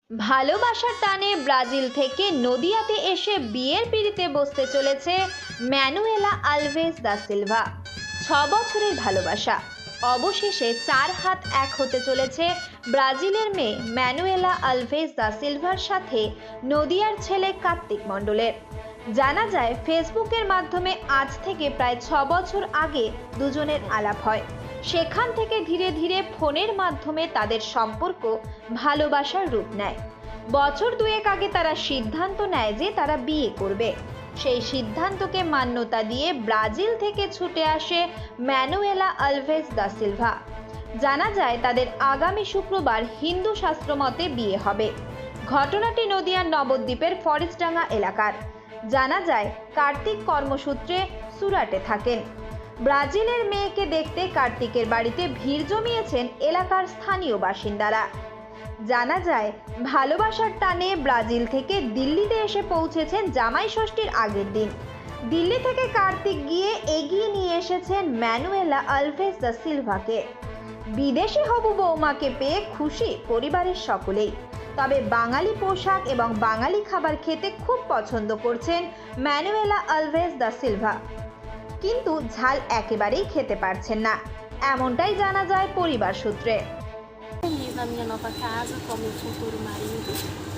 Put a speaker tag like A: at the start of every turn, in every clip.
A: ভালোবাসার টানে ব্রাজিল থেকে নদিয়াতে এসে বিয়ের পিঁড়িতে বসতে চলেছে ম্যানুয়েলা আলভেজ দা সিলভা। 6 বছরের ভালোবাসা অবশেষে 4 হাত 1 হতে চলেছে ব্রাজিলের মেয়ে ম্যানুয়েলা আলভেজ দা সিলভার সাথে নদিয়ার ছেলে কার্তিক মণ্ডলের। জানা যায়, ফেসবুকের মাধ্যমে আজ থেকে প্রায় 6 বছর আগে দুজনের আলাপ হয়। সেখান থেকে ধীরে ধীরে ফোনের মাধ্যমে তাদের সম্পর্ক ভালোবাসার রূপ নেয়। বছর 2 আগে তারা সিদ্ধান্ত নেয় যে তারা বিয়ে করবে। সেই সিদ্ধান্তকে মান্যতা দিয়ে ব্রাজিল থেকে ছুটে আসে ম্যানুয়েলা আলভেজ দা সিলভা। জানা যায়, তাদের আগামী শুক্রবার হিন্দু শাস্ত্র মতে বিয়ে হবে। ঘটনাটি নদিয়ার নবদ্বীপের ফরেস্টডাঙ্গা এলাকার। জানা যায়, কার্তিক কর্মসূত্রে সুরাটে থাকেন। ব্রাজিলের মেয়েকে দেখতে কার্তিকের বাড়িতে ভিড় জমিয়েছেন এলাকার স্থানীয় বাসিন্দারা। জানা যায়, ভালোবাসার টানে ব্রাজিল থেকে দিল্লিতে এসে পৌঁছেছেন জামাই ষষ্ঠীর আগের দিন। দিল্লি থেকে কার্তিক গিয়ে এগিয়ে নিয়ে এসেছেন ম্যানুয়েলা আলভেজ দা সিলভাকে। বিদেশি হবু বৌমাকে পেয়ে খুশি পরিবারের সকলেই। তবে বাঙালি পোশাক এবং বাঙালি খাবার খেতে খুব পছন্দ করছেন ম্যানুয়েলা আলভেজ দা সিলভা, কিন্তু ঝাল একেবারেই খেতে পারছেন না, এমনটাই জানা যায় পরিবার সূত্রে।
B: Feliz na minha nova casa com meu futuro marido.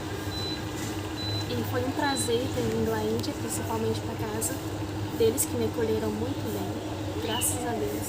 B: E foi um prazer ter vindo à Índia, principalmente para casa deles, que me acolheram muito bem. Graças a Deus.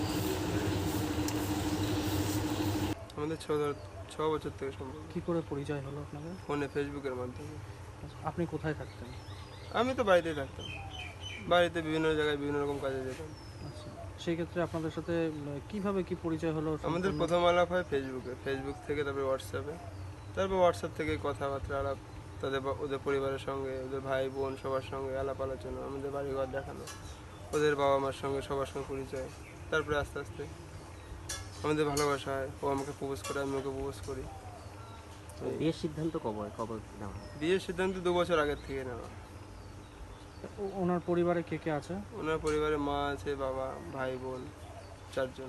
C: আমাদের 6 বছর থেকে সম্পর্ক।
D: কি করে পরিচয় হলো আপনাদের?
C: ফোনে, ফেসবুকের মাধ্যমে।
D: আপনি কোথায় থাকতেন?
C: আমি তো বাড়িতেই থাকতাম, বাড়িতে বিভিন্ন জায়গায় বিভিন্ন রকম কাজে যেতাম।
D: আচ্ছা, সেই ক্ষেত্রে আপনাদের সাথে কিভাবে কি পরিচয় হলো?
C: আমাদের প্রথম আলাপ হয় ফেসবুক থেকে, তারপরে হোয়াটসঅ্যাপে, তারপর হোয়াটসঅ্যাপ থেকে কথাবার্তা আলাপ, ওদের পরিবারের সঙ্গে, ওদের ভাই বোন সবার সঙ্গে আলাপ আলোচনা, আমাদের বাড়িঘর দেখানো, ওদের বাবা মার সঙ্গে সবার সঙ্গে পরিচয়। তারপরে আস্তে আস্তে আমাদের ভালোবাসা হয়, ও আমাকে প্রপোজ করে, আমি ওকে প্রপোজ করি।
E: বিয়ের সিদ্ধান্ত কবে নেওয়া?
C: বিয়ের সিদ্ধান্ত 2 বছর আগের থেকে নেওয়া।
D: ওনার পরিবারে কে কে আছে?
C: ওনার পরিবারে মা আছে, বাবা, ভাই বোন 4 জন।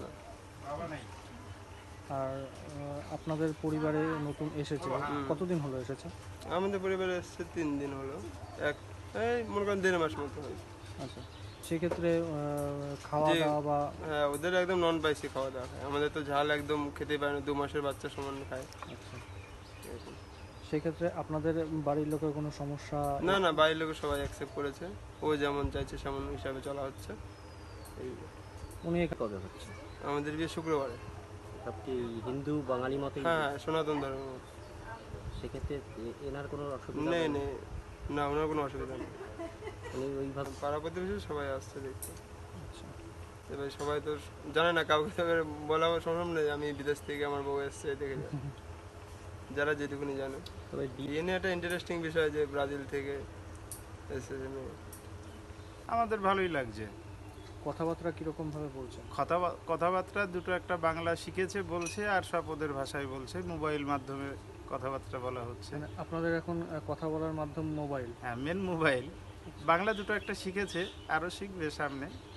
D: আর আপনাদের পরিবারে নতুন এসেছে, কতদিন হলো এসেছে?
C: আমাদের পরিবারে এসছে 3 দিন হলো, এই মনে করেন 1.5 মাস মতো হয়।
D: আচ্ছা, সেক্ষেত্রে খাওয়া দাওয়া বা
C: হ্যাঁ, ওদের একদম নন স্পাইসি খাওয়া দাওয়া খায়, আমাদের তো ঝাল একদম খেতে পারে না, 2 মাসের বাচ্চা সমান খায়।
D: আচ্ছা, সেক্ষেত্রে আপনাদের বাড়ির লোকের কোনো সমস্যা?
C: না, বাড়ির লোক সবাই অ্যাকসেপ্ট করেছে, ও যেমন চাইছে সেমন হিসাবে চলা হচ্ছে।
E: উনি কবে হচ্ছে?
C: আমাদের বিয়ে শুক্রবারে।
E: সব কি হিন্দু বাঙালি মতে?
C: হ্যাঁ, সনাতন ধর্ম।
E: সেক্ষেত্রে এনার কোনো অসুবিধা
C: নেই, না, ওনার কোনো অসুবিধা নেই।
E: উনি ওইভাবে
C: পাড়া প্রতিবেশী সবাই আসছে দেখতে।
D: আচ্ছা,
C: এবার সবাই তো জানে না, কাউকে তো এবার বলা সম্ভব নেই আমি বিদেশ থেকে আমার বউ এসছে দেখে যায়, যারা যেটুকুনি জানে।
E: তবে
C: বিয়ে নিয়ে একটা ইন্টারেস্টিং বিষয় যে ব্রাজিল থেকে এসেছে মেয়ে।
F: আমাদের ভালোই লাগছে।
D: কথাবার্তা কিরকম ভাবে বলছেন?
F: কথাবার্তা দুটো, একটা বাংলা শিখেছে বলছে, আর সব ওদের ভাষায় বলছে। মোবাইল মাধ্যমে কথাবার্তা বলা হচ্ছে।
D: মানে আপনাদের এখন কথা বলার মাধ্যম মোবাইল?
F: হ্যাঁ, মেন মোবাইল। বাংলা দুটো একটা শিখেছে, আরও শিখবে সামনে।